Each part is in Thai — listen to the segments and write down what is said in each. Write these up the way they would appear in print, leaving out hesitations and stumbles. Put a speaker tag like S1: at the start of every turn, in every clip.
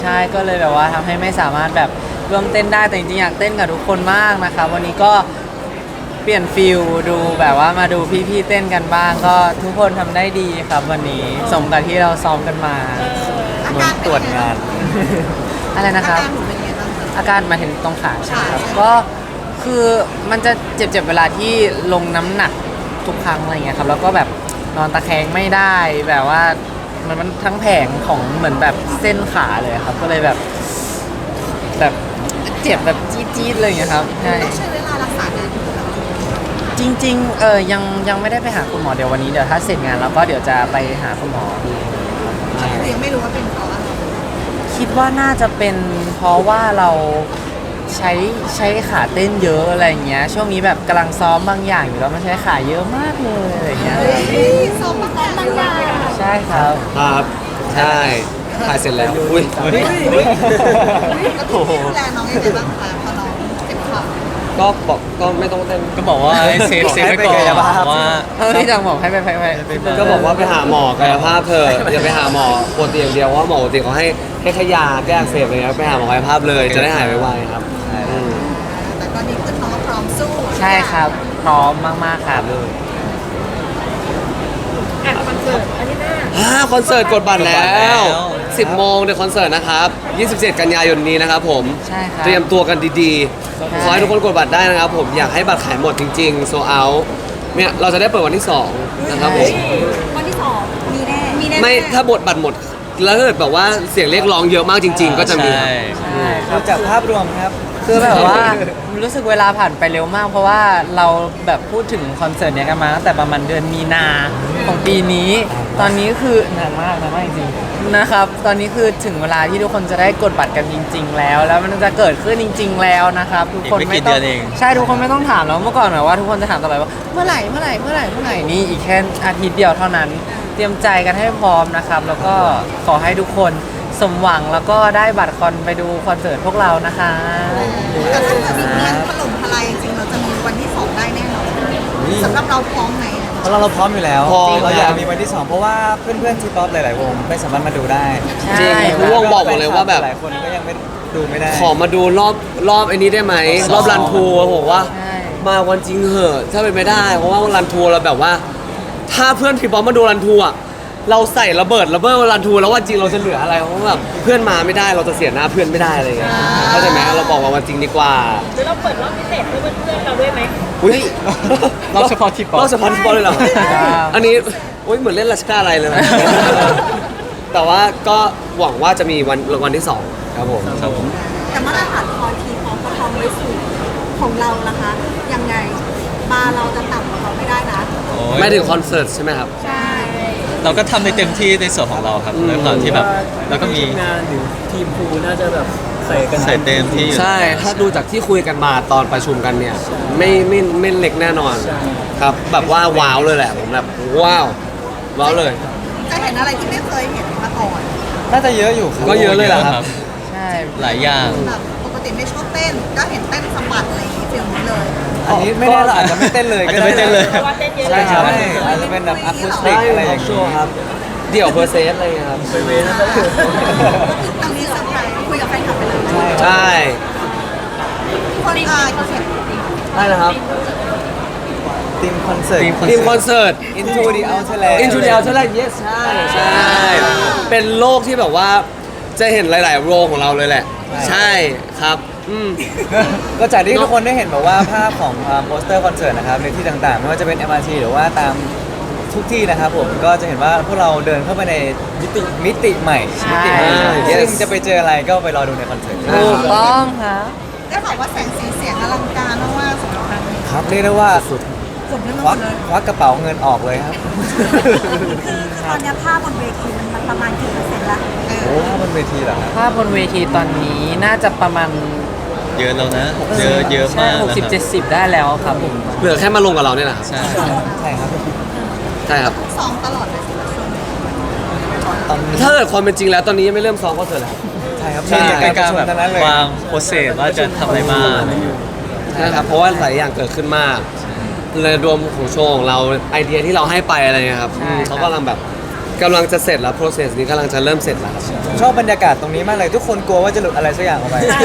S1: ใช่ก็เลยแบบว่าทำให้ไม่สามารถแบบร่วมเต้นได้แต่จริงๆอยากเต้นกับทุกคนมากนะครับวันนี้ก็เปลี่ยนฟิลดูแบบว่ามาดูพี่ๆเต้นกันบ้างก็ทุกคนทำได้ดีครับวันนี้สมกับที่เราซ้อมกันมาเหมือนตรวจงาน อะไรนะครับ
S2: อาการหนูเป็นยังไงบ้างคะ
S1: อาการมาเห็นตรงขาใช่ไหมครับก็คือมันจะเจ็บๆเวลาที่ลงน้ำหนักทุกครั้งอะไรเงี้ยครับแล้วก็แบบนอนตะแคงไม่ได้แบบว่ามันทั้งแผงของเหมือนแบบเส้นขาเลยครับก็เลยแบบเจ็บแบบจี๊ดๆเลยอย่างเงี้ยครับใช่
S2: ต้องใช้เวลารักษานานอยู่แล้ว
S1: จริงๆยังไม่ได้ไปหาคุณหมอเดี๋ยววันนี้เดี๋ยวถ้าเสร็จงานแล้วก็เดี๋ยวจะไปหาคุณหมอดูครับใช่
S2: ยังไม่รู้ว่าเป็นเพราะอะไร
S1: คิดว่าน่าจะเป็นเพราะว่าเราใช้ขาเต้นเยอะอะไรเงี้ยช่วงนี้แบบกำลังซ้อมบางอย่างอยู่แล้วมันใช้ขาเยอะมากเลยอะไรเงี้ย
S2: ซ้อมมาก่อนบางอย่าง
S1: ใช่ครับ
S3: ครับใช่ถ่ายเสร็จแล้วอุ้ย
S2: แล้วพี่ดูแลน้องยังไงบ้างคะพอน้องเจ็บเข่า
S3: ก็บอกก็ไม่ต้องเต้น
S4: ก็บอกว่าให้เซฟไว้ก่อนว่า
S1: พี่จังบอกให้ไป
S3: ก็บอกว่าไปหาหมอกายภาพเถอะอย่าไปหาหมอปกติอย่างเดียวว่าหมอปกติเขาให้แค่ยาแก้อักเสบอะไรเงี้ยไปหาหมอกายภาพเลยจะได้หายไวๆครับอืม
S2: แต่ตอนนี้คือน้องพร้อมสู้
S1: ใช่ครับพร้อมมากๆครับ
S2: คอนเสิร์ตอาทิตย์หน้า
S3: คอนเสิร์ตกดบัตรแล้ว
S4: กดบัตรแล้ว
S3: 10 โมงในคอนเสิร์ตนะครับ 27 กันยายนนี้นะครับผม
S1: ใช่ครับ
S3: เตรียมตัวกันดีๆ ขอให้ทุกคนกดบัตรได้นะครับผมอยากให้บัตรขายหมดจริงๆโซเอาเนี่ยเราจะได้เปิดวันที่ 2 นะครับผม
S2: วันที่2มีแน่มีแน่
S3: ไม่ถ้าบทบัตรหมด แล้วถ้าเกิดแบบว่าเสียงเรียกร้องเยอะมากจริง ๆ ก็จะมี
S4: ใช่
S1: ใช่ครับ
S5: จากภาพรวมครับ
S1: คือแบบว่ารู้สึกเวลาผ่านไปเร็วมาก เพราะว่าเราแบบพูดถึงคอนเสิร์ตเนี้ยกันมาตั้งแต่ประมาณเดือนมีนาของปีนี้ ตอนนี้คือนานมากจริงๆนะครับ ตอนนี้คือถึงเวลาที่ทุกคนจะได้กดบัตรกันจริง ๆ แล้ว แล้วมันจะเกิดขึ้นจริง ๆ แล้วนะครับทุกคน
S4: อีกไม่กี่
S1: ไม่ต้อง
S4: เดือนเอง
S1: ใช่ทุกคนไม่ต้องถามแล้วเมื่อก่อนแบบว่าทุกคนจะถามตลอดว่าเมื่อไหร่นี่อีกแค่อาทิตย์เดียวเท่านั้น เตรียมใจกันให้พร้อมนะครับ แล้วก็ขอให้ทุกคนสมหวังแล้วก็ได้บัตรคอนไปดูคอนเสิร์ตพวกเรานะคะ
S2: แต่ถ้าเกิดมีเงินถล่มทลายจริงๆเราจะมีวันที่2ได้แน่นอนสำหรับเราพร้อมไหม
S5: เพราะเราพร้อมอยู่แล้ว
S3: พร้อม
S5: เราอยากมีวันที่ 2 เพราะว่าเพื่อนๆทีป๊อปหลายๆวงไม่สามารถมาดูได้
S3: จริงคือวงบอกหมดเลยว่าแบบ
S5: หลายคนก็ยังไม่ดูไม่ได้
S3: ขอมาดูรอบไอ้นี้ได้ไหมรอบรันทัวร์ผมว่า
S1: ใช่
S3: มาวันจริงเหอะถ้าเป็นไม่ได้ เพราะว่ารันทัวร์เราแบบว่า ถ้าเพื่อนพี่บอมมาดูรันทัวร์อะเราใส่ระเบิดรันทัวร์แล้ววันจริงเราจะเหลืออะไรเพราะว่าแบบเพื่อนมาไม่ได้เราจะเสียหน้าเพื่อนไม่ได้อะไรอย่างเงี้ยเข้าใจไหมเราบอกว่าวันจริงดีกว่า
S6: หรือเราเปิดรอบพิเศษเพื่อเพื่อนๆเราด้วยไหม
S3: อุ้ย
S4: รอบเฉพาะที่ป๊อป
S3: รอบเฉพาะที่ป๊อปเลยเหรออันนี้อุ้ยเหมือนเล่นราชการอะไรเลยนะ แต่ว่าก็หวังว่าจะมีวันที่ 2 ครับผม
S4: ครับผม
S2: แต่มาตรฐานคอทีพร้อมประทองไว้สูงของเรานะคะ ยังไงบาร์เราจะต่ำกว่าเขาไม่ได้นะ
S4: โอ้ย
S3: ไม่ถึงคอนเสิร์ตใช่ไหมครับ
S2: ใช่
S4: เราก็ทำในเต็มที่ในส่วนของเราครับด้วยความที่แบบแล้วก็มี
S5: งานหรือทีมพูน่าจะแบบใส่กัน
S4: ใส่เต็มที่อยู่
S3: ใช่ ถ้าดูจากที่คุยกันมาตอนประชุมกันเนี่ย ไม่เล็กแน่นอนครับ แบบว่าว้าวเลยแหละ ผมแบบว้าวเลย
S2: จะเห็นอะไรที่ไม่เคยเห็นมาก่อน
S5: น่าจะเยอะอยู่ครับ
S3: ก็เยอะเลยเหรอครับ
S1: ใช่
S4: หลายอย่าง
S2: แบบปกติไม่ชอบเต้น ก็เห็นเต้นสะบัดอะไรอย่างงี้ฟิลนี้เลย
S5: อันนี้ไม่แน่เราอาจจะไม่เต้นเลย
S4: อาจจะไม่เต้นเลย
S6: เพราะว่าเต้นเยอะ
S5: ใช่
S6: เลย
S5: ครับอาจจะเป็นแบบอะคูสติกอะไรอย่าง
S3: ชั
S5: เงี้
S3: วย ร์ครับ เดี่ยวเพอร์เซสอะไรเงี้ยครับ
S2: ตอนนี้เซอร์ไพรส์คุยกับแฟนคลับไปเลย
S3: ใช่
S2: คนเขียน
S3: ได้นะครับ
S5: ทีมคอนเสิร์ต
S3: ทีมคอนเสิร์ต
S5: Into the Outerland
S3: Into the Outerland yes ใช่ เป็นโลกที่แบบว่าจะเห็นหลาย ๆ โรงของเราเลยแหละ ใช่ครับ
S5: ก็จากที่ทุกคนได้เห็นแบบว่าภาพของโปสเตอร์คอนเสิร์ตนะครับในที่ต่างๆ ไม่ว่าจะเป็น MRT หรือว่าตามทุกที่นะครับผมก็จะเห็นว่าพวกเราเดินเข้าไปในมิติใหม่มิติใหม่
S3: Yes
S5: ซึ่งจะไปเจออะไรก็ไปรอดูในคอนเสิร์ต
S1: ถูกต้องครับ
S2: ได้บอกว่าแสงสีเสียงอลังการมากๆสำหรับครั้งนี้
S5: ครับเรียกได้ว่าสุด
S2: สมทั้งห
S5: ค
S2: ม
S5: วั
S2: ด
S5: ก
S2: เลย
S5: ควักกระเป๋าเงินออกเลยครับ
S2: คือตอนนี้ภาพบนเวทีมันประมาณกี่เปอร์เซ็นต์ละ
S5: โอ้บนเวทีเหรอครับ
S1: ภาพบนเวทีตอนนี้น่าจะประมาณ
S4: เยอะแล้วนะเยอะมาก
S1: หกสิบ
S4: นะค
S1: เจ็
S4: รับ
S1: ดสิบได้แล้วครับผม
S3: เหลือแค่มาลงกับเราเนี่ยแหละครับ
S4: ใช่
S5: ใช่ครับ
S3: ใช่ครับ
S2: ซ้อมตลอดเลยสิช่วงนี้
S5: ตอนนี้
S3: ถ้าเกิดความเป็นจริงแล้วตอนนี้ยังไม่เริ่มซ้อมคอนเสิร์ตแล้ว
S5: ใช่ครับ
S4: ใช่
S5: มี
S4: ใกล้
S5: การประ
S4: ๆ
S5: ชุม
S4: แบบ
S5: ทั้งนั้นเลยว
S4: างโปรเซสว่าจะทำอะไรบ้าง
S3: นะครับ เพราะว่าหลายอย่างเกิดขึ้นมากเลยรวมของโชว์ของเราไอเดียที่เราให้ไปอะไรเงี้ยครับเขากำลังแบบกำลังจะเสร็จแล้ว process นี้กำลังจะเริ่มเสร็จแล้วครับ
S5: ชอบบรรยากาศตรงนี้มากเลย ทุกคนกลัวว่าจะหลุดอะไรสักอย่างออกไป
S2: ใช่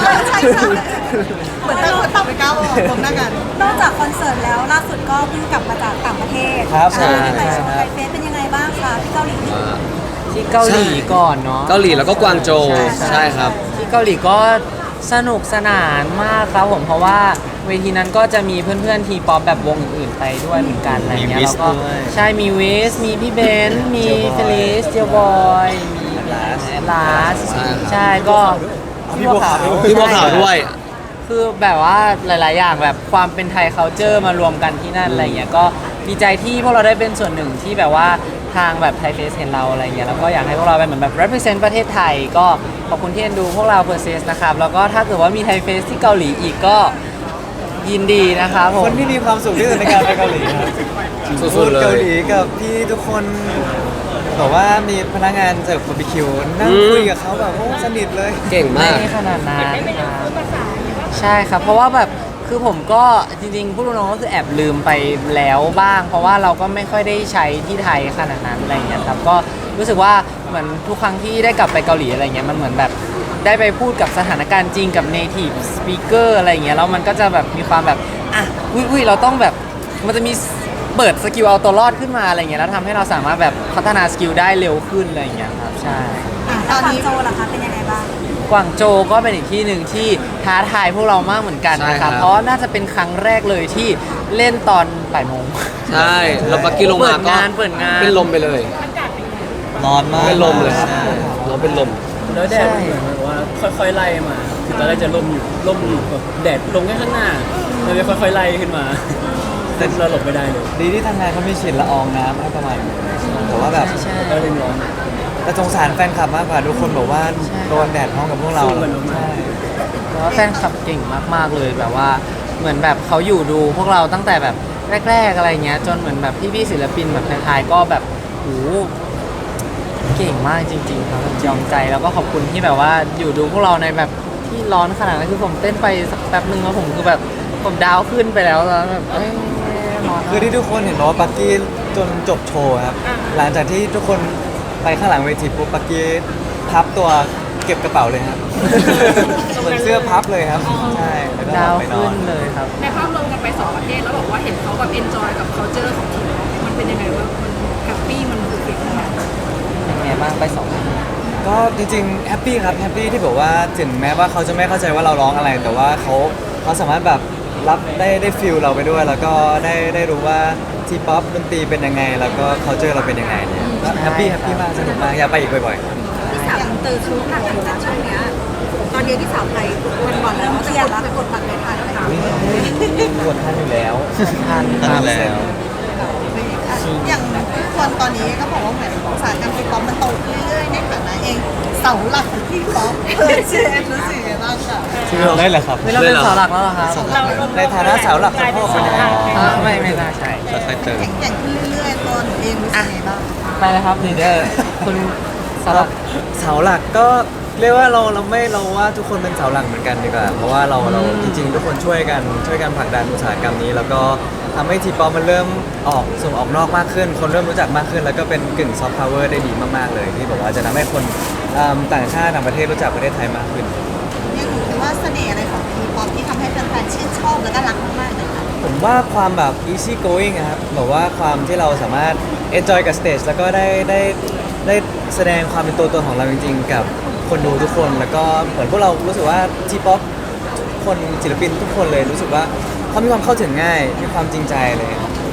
S2: เหมือนแต่คนต่างไปก้าวออกพร้อมหน้ากันนอกจากคอนเสิร์ตแล้วล่าสุดก็เพิ่งกลับมาจากต่างประเทศ
S5: ครับ
S2: ใช่
S5: ใช่
S2: ไปโชว์ไทยเฟสเป็นยังไงบ้างคะที่เกาหลี
S1: ที่เกาหลีก่อนเนาะ
S3: เกาหลีแล้วก็กวางโจวใช่ครับ
S1: ที่เกาหลีก็สนุกสนานมากครับผมเพราะว่าเวทีนั้นก็จะมีเพื่อนๆทีป๊อปแบบวงอื่นๆไปด้วยเหมือนกันอะไรเงี้ย
S4: มี
S1: แล้วก็
S4: Wiz ด้วย
S1: ใช่มีวิสมีพี่เบนซ์มี
S5: J-Boy
S1: เฟลิสเจบอยมีลาส
S3: ใช่ครับ
S1: ใช่ก็
S5: พี่บัวขาว
S3: พี่บัวขาวด้วย
S1: คือแบบว่าหลาย ๆ อย่างแบบความเป็นไทย culture มารวมกันที่นั่นอะไรเงี้ยก็ดีใจที่พวกเราได้เป็นส่วนหนึ่งที่แบบว่าทางแบบไทยเฟสเห็นเราอะไรเงี้ยแล้วก็อยากให้พวกเราเป็นเหมือนแบบ represent ประเทศไทย ก็ขอบคุณที่เอ็นดูพวกเรา Persis นะครับแล้วก็ถ้าเกิดว่ามีไทยเฟสที่เกาหลีอีกก็ยินดีนะครับผ
S5: ค
S1: ม
S5: นที่มีความสุขที่สุดในการไปเกาหลีครับ
S3: สุดๆเลย
S5: เกาหลีกับพี่ทุกคนบอกว่ามีพนักงานเสิร์ฟบาร์บีคิวนั่งคุยกับเขาแบบโอ้สนิทเลย
S3: เก่ง
S1: ไม่
S3: มาก
S1: ได้ขนาดนั้น
S6: ได้ไปเรียน
S1: ครับ
S6: รู้ภาษาเนี่ยว่า
S1: ใช่ครับ เพราะว่าแบบคือผมก็จริงๆพูดตรงๆก็คือแอบลืมไปแล้วบ้าง เพราะว่าเราก็ไม่ค่อยได้ใช้ที่ไทยขนาดนั้นอะไรอย่างเงี้ยครับก็รู้สึกว่าเหมือนทุกครั้งที่ได้กลับไปเกาหลีอะไรเงี้ยมันเหมือนแบบได้ไปพูดกับสถานการณ์จริงกับ native speaker อะไรอย่างเงี้ยแล้วมันก็จะแบบมีความแบบอ่ะอุ้ยเราต้องแบบมันจะมีเปิดสกิลเอาตัวรอดขึ้นมาอะไรเงี้ยแล้วทำให้เราสามารถแบบพัฒนาสกิลได้เร็วขึ้นอะไรอย่างเงี้ยครับใช่
S2: ตอนนี้โจล่ะคะเป็นยังไงบ้าง
S1: กวางโจวก็เป็นอีกที่หนึ่งที่ท้าทายพวกเรามากเหมือนกันนะ
S3: ใช่
S1: ค
S3: ครั
S1: รับ
S3: บ
S1: เพราะน่าจะเป็นครั้งแรกเลยที่เล่นตอนบ่ายโมง
S3: ใช่แล้วปักกี้ลงมาก็
S1: เปิดงาน
S3: เป็นลมไปเลย
S5: ร้อนมาก
S3: เป็นลมเลยครับ
S5: ใช่
S3: เราเป็นลม
S7: แล้วแดดมันเหมือนแบบว่าค่อยๆไล่มา คือตอนแรกจะล่มอยู่แบบแดดลงแค่ข้างหน้าแล้วจะค่อยๆไล่ขึ้นมาแต่เราหลบไม่ได้เลย
S5: ดีที่ทางงานเขามีฉีดละอองน้ำให้ประมาณนึงแต่ว่าแบบ
S1: ใช่
S7: ก็เลยร้อน
S5: แต่สงสารแฟนคลับมากกว่าทุกคนบอกว่าโดนแดดพร้อมกับพวกเรา
S7: สู้กันมาก
S5: ใช่
S1: เพราะว่าแฟนคลับเก่งมากๆเลยแบบว่าเหมือนแบบเขาอยู่ดูพวกเราตั้งแต่แบบแรก ๆอะไรเงี้ยจนเหมือนแบบพี่ๆศิลปินแบบไทยๆก็แบบโหเก่งมากจริงๆครับยอมใจแล้วก็ขอบคุณที่แบบว่าอยู่ดูพวกเราในแบบที่ร้อนขนาดนั้นคือผมเต้นไปสักแป๊บนึงแล้วผมคือแบบผมดาวขึ้นไปแล้วแล้วแบบเอ้ยร้อน
S5: คือที่ทุกคนเห็นว่าปักกี้จนจบโชว์ครับ หลังจากที่ทุกคนไปข้างหลังเวทีปุ๊บปักกี้พับตัวเก็บกระเป๋าเลยครับ เหมือนเสื้อพับเลยครับ ใช่แล้วก็
S1: ดาว
S5: ไปนอ
S1: ขึ้
S5: น
S1: นเลยครับ
S6: ในภาพรวมกันไปสองประเทศแล้วบอกว่าเห็นเขาแบบเอนจอยกับ culture ของทีมมันเป็นยังไงวะมันแฮปปี้มันรู้สึกยังไง
S1: เป็นไงบ้างไปสอง
S5: ก็จริงๆแฮปปี้ครับแฮปปี้ที่แบบว่าถึงแม้ว่าเขาจะไม่เข้าใจว่าเราร้องอะไร แต่ว่าเขาสามารถแบบรับได้ฟิลเราไปด้วย แล้วก็ได้รู้ว่าทีป๊อปดนตรีเป็นยังไง แล้วก็เคาเจอเราเป็นยังไงเนี่ยก็แฮปปี้มากสนุกมากอยากไปอีกบ่อยๆ
S2: ที่สาวเตอร์ชุดหนักอยู่นะช่วงเนี้ยตอนเย็นที่สาวไทยวันก่อนแล้วเครียดแล้วกดบัตรไม่ทันเลยค่ะ
S5: กดทันอยู่แล้ว
S1: ทันค
S4: ทั
S1: รับ
S4: นแล้ว
S2: อย่างทุกคนตอนนี้ก็บอกว่าเหมือนอุตสาหกรรมทีป๊อปมันโตขึ้นเรื่อยๆในฐานะเองเสาหลักของทีป๊อปเชนรู้สึกยังไงบ้างคะ
S5: ได้เหรอครับ
S1: ไม่เราเป็นเสาหลักแล้วเหรอครับ
S5: ในฐานะเสาหลักของพ่อคนยังไง
S1: ไม่น่าใช่
S4: ค่อยๆเติม
S2: แข็งขึ้นเรื่อยๆตัวหนูเองรู้สึกยังไงบ้าง
S1: ไปเลยครับลีดเดอร์คุณเสาหลัก
S5: เสาหลักก็เรียกว่าเราว่าทุกคนเป็นเสาหลักเหมือนกันดีกว่า เพราะว่าเราจริงๆ ทุกคนช่วยกันผลักดันอุตสาหกรรมนี้ แล้วก็ทำให้ทีป๊อปมันเริ่มส่งออกนอกมากขึ้น คนเริ่มรู้จักมากขึ้น แล้วก็เป็นกึ่งซอฟต์พาวเวอร์ได้ดีมากๆเลยที่บอกว่าจะทำให้คนต่างชาติต่างประเทศรู้จักประเทศไทยมากขึ้น
S2: เนี่ยหนูคิดว่าเสน่ห์อะไรของทีป๊อปที่ทำให้แฟนๆชื่นชอบและก็รักมากๆเลยค่ะ
S5: ผมว่าความแบบ easy going อะครับแบบว่าความที่เราสามารถ enjoy กับ stage แล้วก็ได้แสดงความเป็นตัวตนของเราจริงๆ กับคนดูทุกคน แล้วก็เหมือนพวกเรารู้สึกว่า T-pop ทุกคนศิลปินทุกคนเลยรู้สึกว่าเขามีความเข้าถึงง่าย มีความจริงใจเลย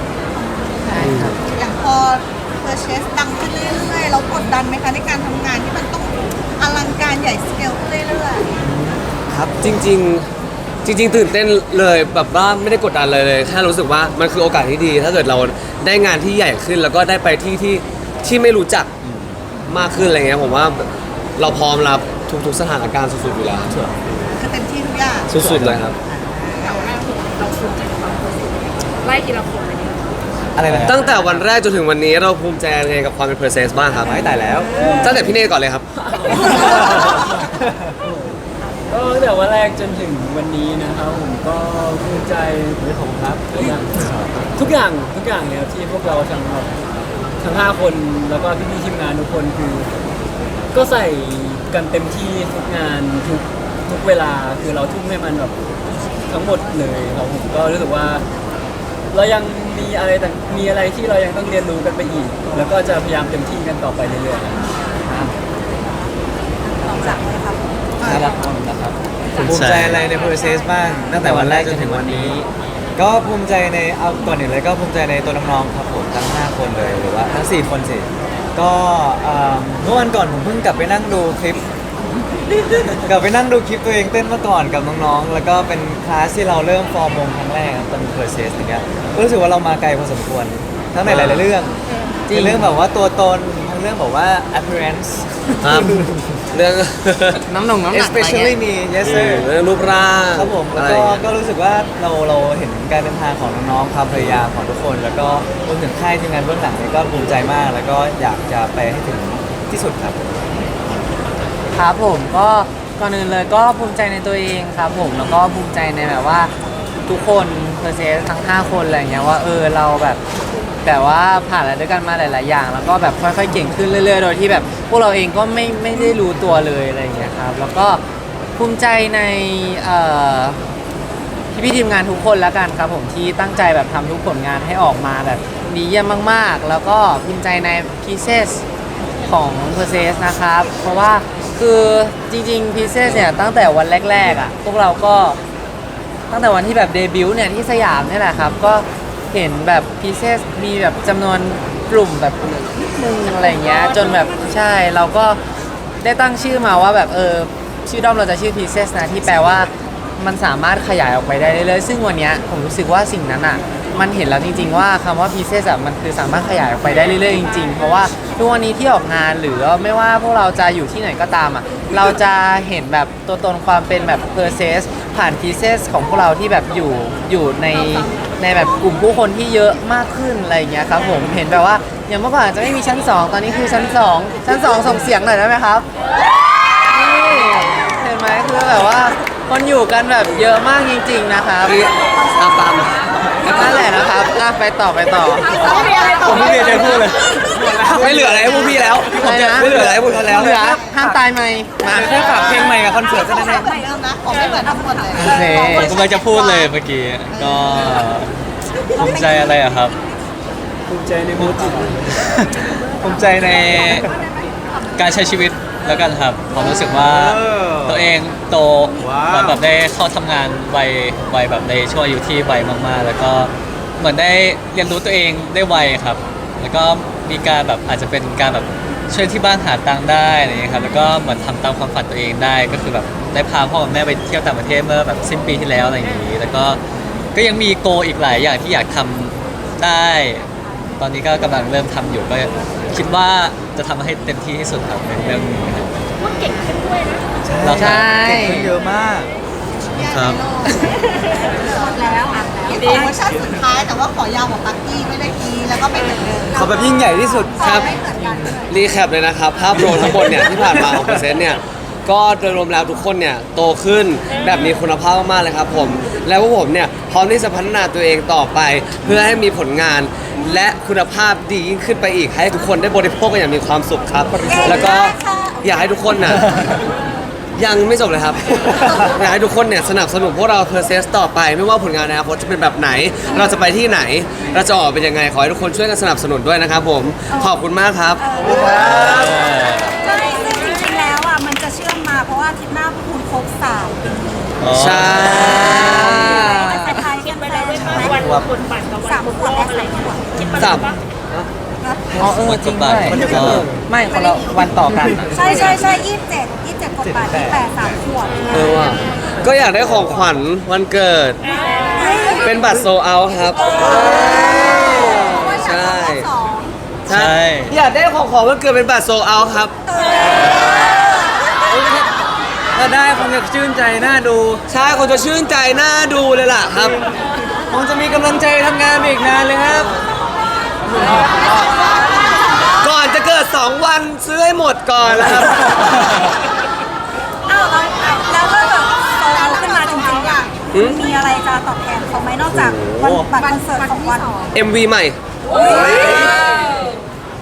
S2: อย่างพอเพอร์เชสดังขึ้นเรื่อยๆเรากดดันไหมคะในการทำงานที่มันต้องอลังการใหญ่สเกลขึ้นเรื่อยๆ
S5: ครับ
S3: จริงๆตื่นเต้นเลยแบบว่าไม่ได้กดดันเลยแค่รู้สึกว่ามันคือโอกาสที่ดี ถ้าเกิดเราได้งานที่ใหญ่ขึ้น แล้วก็ได้ไปที่ไม่รู้จักมากขึ้นอะไรเงี้ยผมว่าเราพร้อมรับทุกๆสถานการณ์สุดๆอยู่แล้ว
S2: คือเต็มที่ทุกอย่าง
S3: สุดๆเลยครับ
S6: เราแรกเราภูมิใจกับความรู้สึกไล่ทีละคนเลยเนี่ย
S5: อะไรนะ
S3: ตั้งแต่วันแรกจนถึงวันนี้เราภูมิใจยังไงกับความเป็น Persis บ้างครับ
S5: ไม่แต่แล้ว
S3: ตั้งแต่พี่เน่ก่อนเลยครับ
S7: ก็ตั้งแต่วันแรกจนถึงวันนี้นะครับผมก็ภูมิใจในของครับทุกอย่างเลยครับที่พวกเราทั้งแบบทั้ง5คนแล้วก็พี่ๆทีมงานทุกคนคือ ก็ใส่กันเต็มที่ทุกงานทุกเวลาคือเราทุ่มให้มันแบบทั้งหมดเลยครับผมก็รู้สึกว่า เรายังมีอะไรที่เรายังต้องเรียนรู้กันไปอีก แล้วก็จะพยายามเต็มที่กันต่อไปเรื่อยๆ
S2: ลองจากเลยครับ
S5: ครับนะครับภูมิใจอะไรใน process บ้างตั้งแต่วันแรกจนถึงวันนี้ ก็ภูมิใจในเอาก่อนอื่นเลยก็ภูมิใจในตัวน้องๆครับผมทั้ง5คนเลยหรือว่าทั้ง4คนสิก็เมื่อวันก่อนผมเพิ่งกลับไปนั่งดูคลิป กลับไปนั่งดูคลิปตัวเองเต้นเมื่อก่อนกับน้องๆแล้วก็เป็นคลาสที่เราเริ่มฟอร์มวงครั้งแรกครับตอน process อย่างเงี้ยก็รู้สึกว่าเรามาไกลพอสมควรทั้งในหลายๆเรื่องในเรื่องแบบว่าตัวตนทั้งเรื่องแบบว่า appearance
S3: ครับเรื่อง
S1: น้ำหนักอะไรเงี้
S5: especially
S1: ย
S5: me yes sir
S3: เรื่องรูปร่าง
S5: ครับผมแล้ว
S3: อะไร
S5: ก็
S3: อย่างเงี้ย
S5: ก็รู้สึกว่าเราเห็นการเดินทางของน้องๆความพยายามของทุกคน แล้วก็รวมถึงค่ายทีมงานเบื้องหลังนี่ก็ภูมิใจมาก แล้วก็อยากจะไปให้ถึงที่สุดครับ
S1: ครับผมก็ก่อนอื่นเลยก็ภูมิใจในตัวเองครับผมแล้วก็ภูมิใจในแบบว่าทุกคนเพอร์เซสทั้ง5คนอะไรเงี้ยว่าเราแบบว่าผ่านอะไรด้วยกันมาหลาย ๆ อย่าง แล้วก็แบบค่อย ๆ เก่งขึ้นเรื่อย ๆ โดยที่แบบพวกเราเองก็ไม่ได้รู้ตัวเลยอะไรเงี้ยครับแล้วก็ภูมิใจในพี่ทีมงานทุกคนแล้วกันครับผมที่ตั้งใจแบบทำทุกผลงานให้ออกมาแบบดีเยี่ยมมาก ๆ แล้วก็ภูมิใจใน Pieces ของ p e r s e s นะครับ เพราะว่าคือจริงๆ Pieces เนี่ยตั้งแต่วันแรกๆอ่ะพวกเราก็ตั้งแต่วันที่แบบเดบิวต์เนี่ยที่สยามเนี่ยแหละครับก็เห็นแบบ Pieces มีแบบจำนวนกลุ่มแบบนิดนึงอะไรเงี้ยจนแบบใช่เราก็ได้ตั้งชื่อมาว่าแบบชื่อด้อมเราจะชื่อ Pieces นะที่แปลว่ามันสามารถขยายออกไปได้เรื่อยๆซึ่งวันเนี้ยผมรู้สึกว่าสิ่งนั้นอ่ะมันเห็นแล้วจริงๆว่าคำว่า Pieces อ่ะมันคือสามารถขยายออกไปได้เรื่อยๆจริงๆเพราะว่าทุกวันนี้ที่ออกงานหรือไม่ว่าพวกเราจะอยู่ที่ไหนก็ตามอ่ะเราจะเห็นแบบตัวตนความเป็นแบบ Pieces ผ่าน Pieces ของพวกเราที่แบบอยู่ในแบบกลุ่มผู้คนที่เยอะมากขึ้นอะไรอย่างเงี้ยครับผมเห็นแบบว่าอย่างเมื่อก่อนจะไม่มีชั้น 2 ตอนนี้คือชั้น 2 ชั้น 2ส่งเสียงหน่อยได้ไหมครับนี่เห็นไหมคือแบบว่าคนอยู่กันแบบเยอะมากจริงๆนะครับ
S3: ตาม
S1: นั่นแหละนะครับไปต่อ
S5: ผมไม่มีอะไรจะพูดเลย
S3: ไม่เหลืออะไรให้พวกพี่แล้ว
S1: อะไรนะ
S3: ไม่เหลืออะไรให้พวกเขาแล้ว
S1: เหลือห้ามตายไหมมา
S5: แค่ฝากเพลงใหม่กับคอนเสิร์ต
S2: ข
S5: แค่
S2: อ
S5: นั้น
S2: ไม่
S5: เอง
S2: เหมือนเดิมนะขอไม่เหมือนทุกคนเลย
S1: โอเค
S4: ผมกำลังจะพูดเลยเมื่อกี้ก็ภูมิใจอะไรอะครับ
S7: ภูมิใจในโมจิ
S4: ภูมิใจในการใช้ชีวิตแล้วกันครับผมรู้สึกว่าตัวเองโต
S5: ว้าว
S4: เหมือนแบบได้เข้าทำงานวัยแบบในช่วงอายุที่ไวมากๆ แล้วก็เหมือนได้เรียนรู้ตัวเองได้ไวครับ แล้วก็มีการแบบอาจจะเป็นการแบบช่วยที่บ้านหาตังค์ได้อะไรอย่างเงี้ยครับแล้วก็เหมือนทำตามความฝันตัวเองได้ก็คือแบบได้พาพ่อกับแม่ไปเที่ยวต่างประเทศเมื่อแบบสิ้นปีที่แล้วอะไรอย่างงี้แล้วก็ยังมีโกอีกหลายอย่างที่อยากทำได้ ตอนนี้ก็กำลังเริ่มทำอยู่ก็คิดว่าจะทำให้เต็มที่ที่สุดครับในเรื่องนี้ครับ
S6: ว่าเก่งขึ้นด้วยนะ
S4: แล้วครับ
S1: ใช่
S5: เก่งขึ้นเยอะมาก
S4: ครับ
S2: หมดแล้วนี่ขอเวอร์ชันสุดท้ายแต่ว่าขอยาวกว่าปักกี้ไม่ได้กีแล้วก็ไม่เหมือนเดิม
S5: ขอแบบยิ่งใหญ่ที่สุด
S3: ครับ
S2: ไม่เหมือนกันด้วย
S3: รีแคปเลยนะครับ ภาพรวมทั้งหมดเนี่ยที่ผ่านมาของเปอร์เซ็นต์เนี่ยก็โดยรวมแล้วทุกคนเนี่ยโตขึ้นแบบมีคุณภาพมากๆเลยครับผมแล้วพวกผมเนี่ยพร้อมที่จะพัฒนาตัวเองต่อไป เพื่อให้มีผลงาน และคุณภาพดียิ่งขึ้นไปอีก ให้ทุกคนได้บริโภคกันอย่างมีความสุขครับ แล้วก็อยากให้ทุกคนน่ะยังไม่จบเลยครับ อยากให้ทุกคนเนี่ยสนับสนุนพวกเราเพอร์เซสต่อไป ไม่ว่าผลงานในอนาคตจะเป็นแบบไหน เราจะไปที่ไหน เราจะออกเป็นยังไงขอให้ทุกคนช่วยกันสนับสนุนด้วยนะครับผมขอบคุณมากครับ
S2: ใช่ซึ่งจริงๆแล้วอ่ะมันจะเชื่อมมาเพราะว่าอาทิตย์หน้าพวกคุณครบ3 ปี
S3: ใช่
S2: จะทายกันไปแล้วใช่ไหม
S6: วันคนบัตรกับวัน
S2: 3 ขวบและ3 ขวบ
S3: สาม
S1: อ๋อจริงด้วยไม่คนละวันต่อกันอะ
S2: ใช่27กดบัตร28 3 ขวบ
S3: ว่ะก็อยากได้ของขวัญวันเกิด เป็นบัตรโซเอาครับ ใช่
S4: ใช่
S3: อยากได้ของวันเกิดเป็นบัตรโซเอาครับ
S5: ถ้าได้คงจะชื่นใจน่าดู
S3: ใช่คนจะชื่นใจน่าดูเลยล่ะครับ
S5: คงจะมีกำลังใจทำงานไปอีกนานเลยครับ
S3: ก่อนจะเกิด 2 วันซื้อให้หมดก่อนนะครับ
S2: อ้าวแล้วก็แบบโตขึ้นมาจริงๆอ่ะ
S3: หืม
S2: มีอะไรจะตอบแทนเขาไหมนอกจากวันบัตรคอนเสิร์ตของวัน
S3: MV ใหม่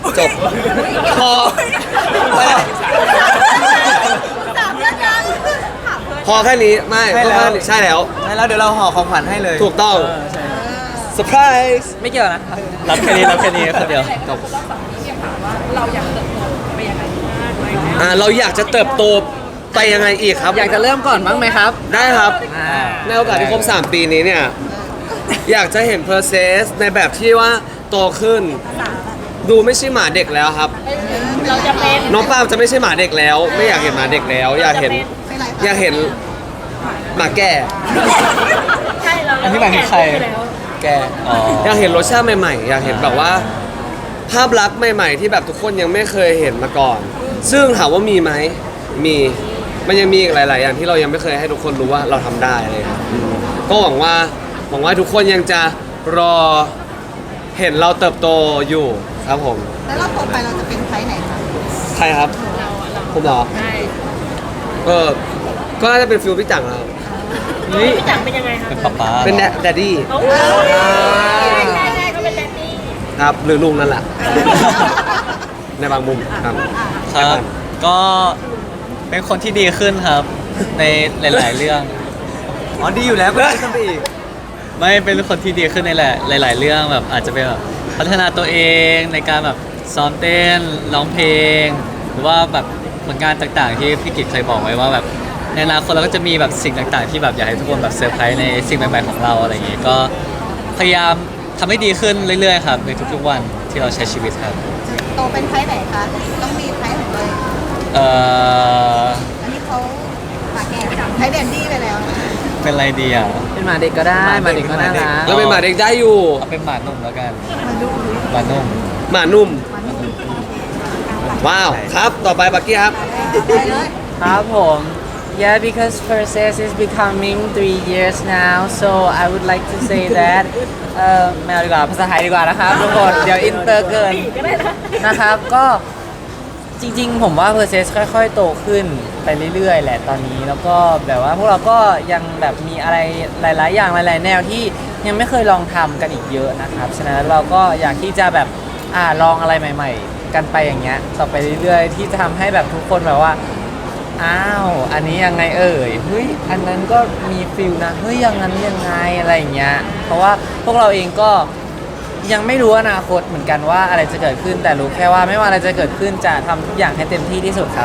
S3: จบพอไปแล้ว
S2: ถามแล้วกันถามเพื่อน
S3: พอแค่นี้ไม่
S5: ใช่แล้ว
S3: พอค่นี้ใช่แล้ว
S5: แล้วเดี๋ยวเราห่อของขวัญให้เลย
S3: ถูกต้อง
S7: ใช่
S3: เซอร์ไพรส์
S1: ไม่เกี่ยวนะครับ
S4: รับแค่นี้รับแค่นี้คนเดียว
S6: จบรอบ2นี้ถามว่าเราอยากเติบโตไปยังไงมากไหม
S3: เราอยากจะเติบโตไปยังไงอีกครับ
S1: อยากจะเริ่มก่อนบ้างไหมครับ
S3: ได้ครับ
S1: อ่า
S3: ในโอกาสที่ครบ 3 ปีนี้เนี่ย อยากจะเห็น process ในแบบที่ว่าโตขึ้น ดูไม่ใช่หมาเด็กแล้วครับ
S6: เราจะเป็น
S3: น้องปาล์มจะไม่ใช่หมาเด็กแล้ว ไม่อยากเห็นหมาเด็กแล้ว อยากเห็น
S2: เป็นไร
S3: อยากเห็นหมาแก่
S6: ใช่เรา
S4: อันนี้หมายถึงใคร แกอ๋อ
S3: อยากเห็นรสชาติใหม่ๆ อยากเห็นแบบว่า ภาพลักษณ์ใหม่ ๆ ที่แบบทุกคนยังไม่เคยเห็นมาก่อน ซึ่งถามว่ามีไหมมีมันยังมีอีกหลาย ๆ อย่างที่เรายังไม่เคยให้ทุกคนรู้ว่าเราทำได้เลยครับก็หวังว่าทุกคนยังจะรอเห็นเราเติบโตอยู่ครับผม
S2: แล้วเราโตไปเราจะเป็นไทยไหนคะ
S3: ใครครับผมเหรอ
S6: ใช่
S3: ก็น่าจะเป็นฟิลพี่จังครับ
S6: พี่จังเป็นยังไงคะ
S4: เป็นป๊าป๊า
S3: เป็นแดดดี้
S6: โอ้ยใช่ก็เป็นแดนนี่
S3: ครับหรือลุงนั่นแหละ ในบางมุมครับ
S4: ครับ ก็เป็นคนที่ดีขึ้นครับ ในหลาย ๆ เรื่อง
S5: อ๋อดีอยู่แล้วก็ได้ขึ้นไปอีก
S4: ไม่เป็นคนที่ดีขึ้นในหลาย ๆ เรื่องแบบอาจจะเป็นแบบพัฒนาตัวเองในการแบบซ้อมเต้นร้องเพลง หรือว่าแบบผลงานต่าง ๆ ที่พี่กิตเคยบอกไว้ว่าแบบในอนาคตเราก็จะมีแบบสิ่งต่าง ๆ ที่แบบอยากให้ทุกคนแบบเซอร์ไพรส์ในสิ่งใหม่ ๆ ของเราอะไรอย่างงี้ก็พยายามทำให้ดีขึ้นเรื่อย ๆ ครับในทุก ๆ วันที่เราใช้ชีวิตครับ
S2: โตเป็นไทยไหนคะต้องมีไทยของตัวเอง
S4: เอ่อ
S2: อันนี้เขาปากแก่ไทยแดนดี้ไปแล้วนะ
S4: เป็นอะไรดีอ่ะ
S1: เป็นหมาเด็กก็ได้หมาเด็กก็น่ารัก
S3: เราเป็นหมาเด็กได้อยู่
S4: เอาเป็นหมานุ่มแล้วกัน
S2: มาดู
S4: หมานุ่ม
S3: หมานุ่ม ว้าว ครับ ต่อไปบักกี้ครับ
S2: ได้เลย
S1: ครับผม Yeah, because process is becoming 3 years now, so I would like to say that ไม่เอาดีกว่าภาษาไทยดีกว่านะครับทุกคนเดี๋ยวอินเตอร์เกิน
S6: ก็ได้นะ
S1: นะครับก็จริงๆ ผมว่า process ค่อยๆ โตขึ้นไปเรื่อยๆ แหละตอนนี้แล้วก็แบบว่าพวกเราก็ยังแบบมีอะไรหลายๆ อย่างหลายๆ แนวที่ยังไม่เคยลองทำกันอีกเยอะนะครับฉะนั้นเราก็อยากที่จะแบบลองอะไรใหม่ ๆ กันไปอย่างเงี้ยต่อไปเรื่อยๆ ที่จะทำให้แบบทุกคนแบบว่าอ้าวอันนี้ยังไงเอ่ยเฮ้ยอันนั้นก็มีฟิลนะเฮ้ยอย่างนั้นยังไงอะไรอย่างเงี้ยเพราะว่าพวกเราเองก็ยังไม่รู้อนาคตเหมือนกันว่าอะไรจะเกิดขึ้นแต่รู้แค่ว่าไม่ว่าอะไรจะเกิดขึ้นจะทำทุกอย่างให้เต็มที่ที่สุดครับ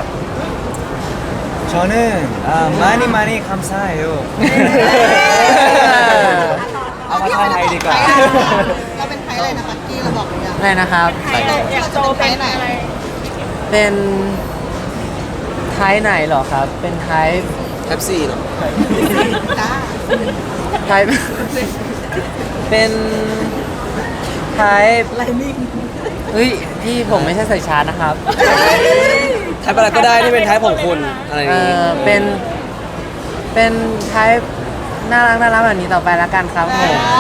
S5: 저는 많이 감사해요. เอามาไทยดีกว่า
S2: เราเป็นไทยอะไรนะปักกี้เราบอกหรือยัง
S1: อะไรนะครับ
S6: ไทยอยากโตเป็นอะไร
S1: เป็นไทยไหนเหรอครับ เป็นไทย
S3: แท็บซี่เนาะ
S2: จ้า
S1: ไทย เป็นไทย
S2: ไลนิ่ง
S1: เฮ้ยพี่ผมไม่ใช่ใส่ชาร์จนะครับ
S3: ไทป์อะไรก็ได้ที่เป็นไทป์ของคุณ อะไรอย่างนี้
S1: เป็นไทยน่ารักแบบนี้ต่อไปแล้วกันครับผม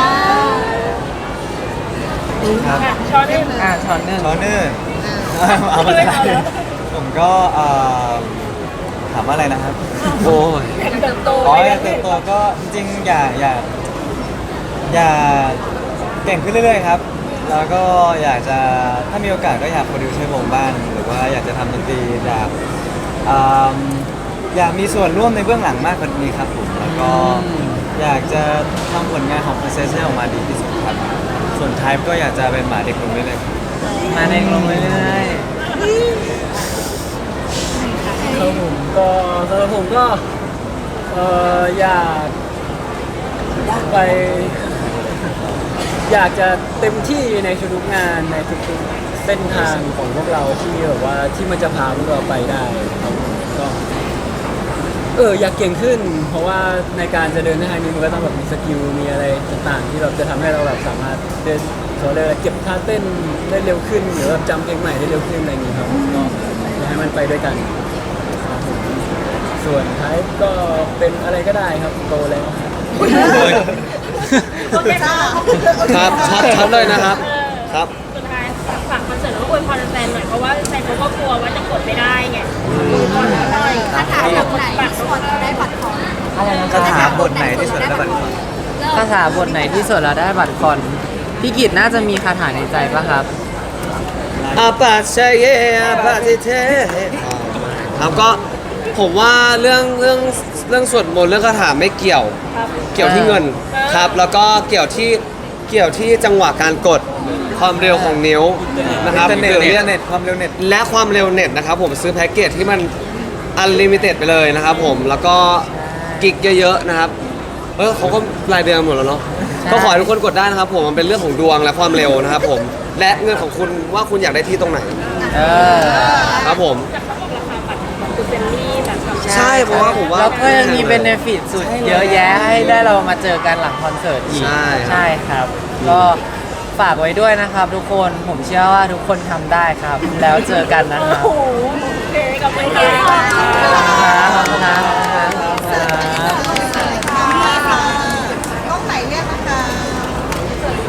S5: ครับ
S6: ช้อนเล่น
S1: ช้อนหนึ่ง
S5: 저는 เอามาไทยผมก็ถามว่าอะไรนะครับ
S3: โอ้ย
S6: เติบโต
S5: อ๋ออยากเติบโตก็จริงๆอย่าเก่งขึ้นเรื่อยๆครับ แล้วก็อยากจะถ้ามีโอกาสก็อยากโปรดิวซ์ให้วงบ้างหรือว่าอยากจะทำดนตรีอยากมีส่วนร่วมในเบื้องหลังมากกว่านี้ครับผมแล้วก็อยากจะทำผลงานของ Process ให้ออกมาดีที่สุดครับ ส่วน Type ก็อยากจะเป็นหมาเด็กลงเรื่อยๆ
S1: มาเองลงเรื่อย
S7: ครับผมก็สำหรับผมก็อยากไป อยากจะเต็มที่ในทุกๆงานในทุกๆเส้นทางของพวกเราที่แบบว่าที่มันจะพาพวกเราไปได้ครับผมก็อยากเก่งขึ้น เพราะว่าในการจะเดินทางนี้มันก็ต้องแบบมีสกิลมีอะไรต่างๆ ที่แบบจะทำให้เราแบบสามารถเดินเขาเรียกอะไรเก็บท่าเต้นได้เร็วขึ้นหรือแบบจำเพลงใหม่ได้เร็วขึ้นอะไรอย่างนี้ครับก็อยากให้มันไปด้วยกันครับผมส่วนท้ายก็เป็นอะไรก็ได้ครับโตแล้ว
S6: โอเค
S2: จ้า
S3: ครับชัดเลยนะครับ ครับ
S6: สุดท้ายฝากคอนเสิร์ตแล้วก็อวยพรแฟนหน่อยเพราะว่าแฟนเขาก็กลัวว่าจะกดไม่ได้ไงอวยพรเขาหน่อยคาถาแบบไหนที่สุดได้บัตรทอง
S1: ๆอะไรนะ
S5: คาถาบทไหนที่สุดแล้วบัตร
S1: คาถาบทไหนที่สุดเราได้บัตรคอนพี่กิตน่าจะมีคาถาในใจปะครับ
S5: ไล
S3: อาปาเชเยอาปาเทเทครับก็ผมว่าเรื่องสวดมนต์เรื่องคาถาไม่เกี่ยว เกี่ยวที่เงินครับ แล้วก็เกี่ยวที่จังหวะการกดความเร็วของนิ้วนะครับ
S5: อินเทอร์เน็ต
S3: หรือ
S5: อินเทอร์เน็ตความเร็วเน็ต
S3: และความเร็วเน็ตนะครับผมซื้อแพ็กเกจที่มันอันลิมิเต็ดไปเลยนะครับผมแล้วก็กิกเยอะๆนะครับเขาก็รายเดือนหมดแล้วเนาะก็ขอให้ทุกคนกดได้นะครับผมมันเป็นเรื่องของดวงและความเร็วนะครับผมและเงินของคุณว่าคุณอยากได้ที่ตรงไหน
S1: เออ
S3: ครับผม
S6: จากเขาบอกราคาบัตรคือเฟรนลี่แบบกับ
S3: ใช่เพราะว่าผมว่า
S1: แล้วก็ยังมีเบนฟิตสุดเยอะแยะให้ได้เรามาเจอกันหลังคอนเสิร์ตอีก
S3: ใช่
S1: ครับ ก็ฝากไว้ด้วยนะครับทุกคนผมเชื่อว่าทุกคนทำได้ครับ แล้วเจอกันนะครับ
S6: โอ้โหโอเคกับไปค่ะ
S1: ครับขอบคุณครับ